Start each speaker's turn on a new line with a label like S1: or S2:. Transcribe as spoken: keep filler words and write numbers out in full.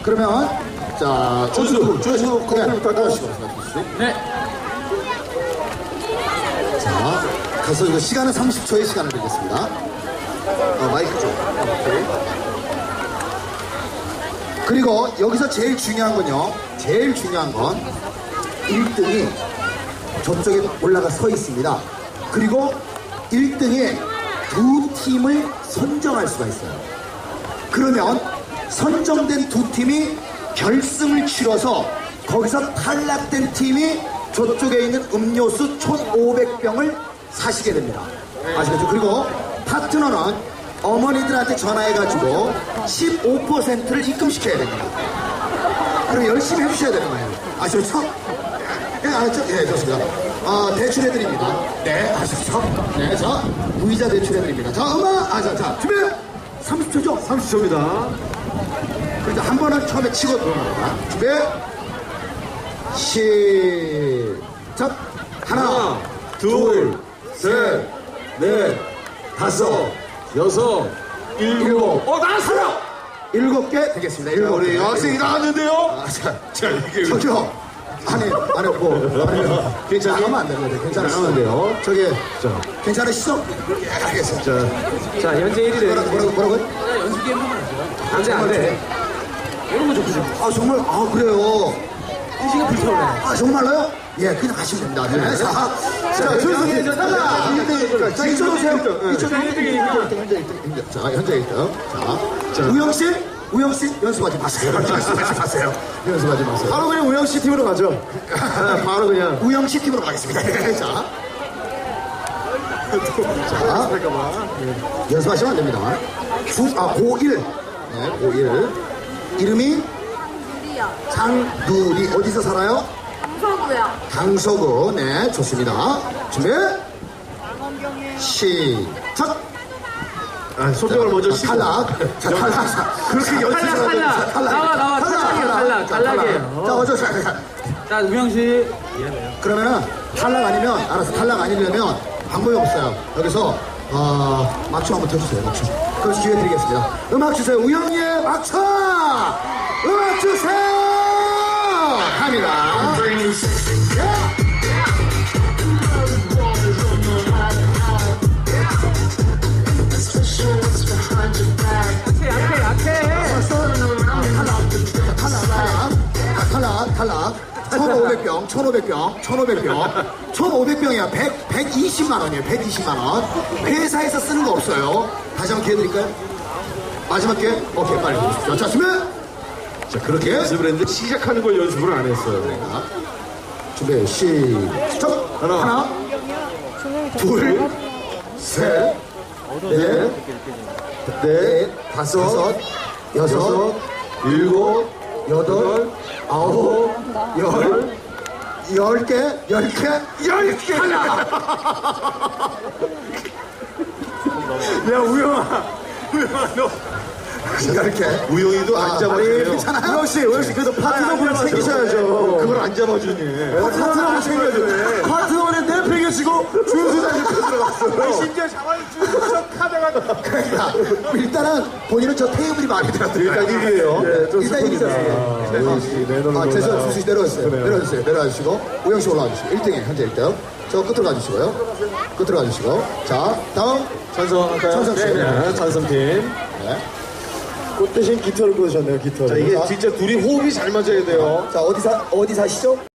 S1: 그러면 자
S2: 준수,
S1: 준수 그냥
S2: 준수
S1: 따라하시고
S3: 네.
S1: 자 가서 이거 시간은 삼십 초의 시간을 드리겠습니다. 어, 마이크 좀. 오케이. 그리고 여기서 제일 중요한 건요. 제일 중요한 건 일 등이 저쪽에 올라가 서 있습니다. 그리고 일 등에 두 팀을 선정할 수가 있어요. 그러면 선정된 두 팀이 결승을 치러서 거기서 탈락된 팀이 저쪽에 있는 음료수 천오백 병을 사시게 됩니다. 아시겠죠? 그리고 파트너는 어머니들한테 전화해가지고 십오 퍼센트를 입금시켜야 됩니다. 그럼 열심히 해주셔야 되는 거예요. 아시겠죠? 네, 알았죠? 네, 좋습니다. 어, 대출해드립니다. 네, 아시겠죠? 네, 자, 무이자 대출해드립니다. 자, 음악! 아, 자, 자, 준비! 삼십 초죠?
S2: 삼십 초입니다.
S1: 그러니까 한 번은 처음에 치고 들어갑니다. 준비! 시작! 하나,
S2: 하나, 둘, 셋, 넷, 다섯, 여섯, 일곱. 어, 나왔어요!
S1: 일곱 개 되겠습니다. 일곱
S2: 우리
S1: 개.
S2: 여학생이 나왔는데요?
S1: 아, 자,
S2: 자, 이게.
S1: 저기요. 아니, 아니, 뭐, 아니,
S2: 괜찮아요?
S1: 나가면 안 되는데, 괜찮으시죠?
S2: 나가면 돼요.
S1: 저기,
S2: 자,
S1: 괜찮으시죠? 예, 알겠습니다.
S2: 자,
S3: 자, 현재 일 위를
S1: 뭐라고, 뭐라고, 뭐라고요?
S3: 연습 게임 하면 안 돼요.
S2: 안 돼, 안 돼.
S3: 이런 거 좋죠.
S1: 아, 정말, 아, 그래요.
S3: 시간 불타올라요.
S1: 아, 정말로요? 예, 그냥 하시면 됩니다. 네. 자, 자, 준수 탈락! 자, 이쪽으로 오세요. 이쪽으로 일 등, 현재 일 등. 자, 현재 일 등. 자, 우영씨? 우영씨? 연습하지 마세요. 연습하지 마세요. 연습하지 마세요.
S2: 바로 그냥 우영씨 팀으로 가죠. 바로 그냥.
S1: 우영씨 팀으로 가겠습니다. 자. 자, 연습하시면 안 됩니다. 주, 아, 고일. 네, 고일. 이름이
S4: 누리요.
S1: 장누리. 어디서 살아요?
S4: 강서구요.
S1: 강서구. 네, 좋습니다. 준비. 시작.
S2: 아, 소정을 먼저
S1: 자,
S2: 씻고.
S1: 탈락. 자, 탈락. 자, 그렇게 연습을
S3: 탈락,
S1: 하면
S3: 탈락.
S1: 탈락.
S3: 나와, 나와. 탈락이에요, 탈락.
S1: 자,
S3: 탈락이에요.
S1: 자, 어쩌 자, 자.
S3: 자, 우영 씨.
S1: 그러면은 탈락 아니면 알아서 탈락 아니려면 방법이 없어요. 여기서 어, 맞춤 한번 쳐주세요. 맞춤. 그럼 기회 드리겠습니다. 음악 주세요. 우영이의 맞춤. 음악 주세요. 갑니다. 예.
S3: 약해, 약해, 약해.
S1: 탈락, 탈락, 탈락. 천오백 병, 천오백 병, 천오백 병. 천오백 병이야. 백, 백이십만 원이에요. 백이십만 원. 회사에서 쓰는 거 없어요. 다시 한번 기회 드릴까요? 마지막 기회? 오케이, 빨리 해주십시오. 자, 준비!
S2: 자, 그렇게 연습을 했는데 시작하는 걸 연습을 안 했어요.
S1: 자, 준비, 시작!
S2: 하나.
S1: 하나, 둘, 셋, 넷, 넷, 다섯, 여섯, 일곱, 여덟, 아홉, 열, 열 개, 열 개, 열 개!
S2: 야, 우영아. 우영아, 너.
S1: 열 개.
S2: 우영이도
S1: 아,
S2: 안 잡아주네요.
S1: 괜찮아요?
S2: 우영씨, 우영씨, 그래도 파트너분을 챙기셔야죠. 그걸 안 잡아주니. 파트너분 챙겨야죠. 파트너는 내 팽겨치고 준수장 옆에 들어갔어. 심지어 잡아줄 준수장 카드가.
S1: 그러니까 일단은 본인은 저 테이블이 마음에 들었어요.
S2: 일단 일 위에요. 네, 좀
S1: 일단 일 위
S2: 슬픕니다. 우영 씨, 내놓는
S1: 아,
S2: 거다.
S1: 죄송, 주수 씨 내려주세요.
S2: 그래요.
S1: 내려주세요. 내려주시고 우영 씨 올라와 주시고 일 등에 현재 일 등. 저 끝으로 가주시고요. 끝으로 가주시고. 자, 다음.
S2: 찬성 할까요?
S1: 찬성 씨.
S2: 네, 찬성팀.
S1: 네.
S2: 꽃 대신 깃털을 꽂으셨네요, 깃털. 자, 이게 진짜 둘이 호흡이 잘 맞아야 돼요.
S1: 자, 어디 사, 어디 사시죠?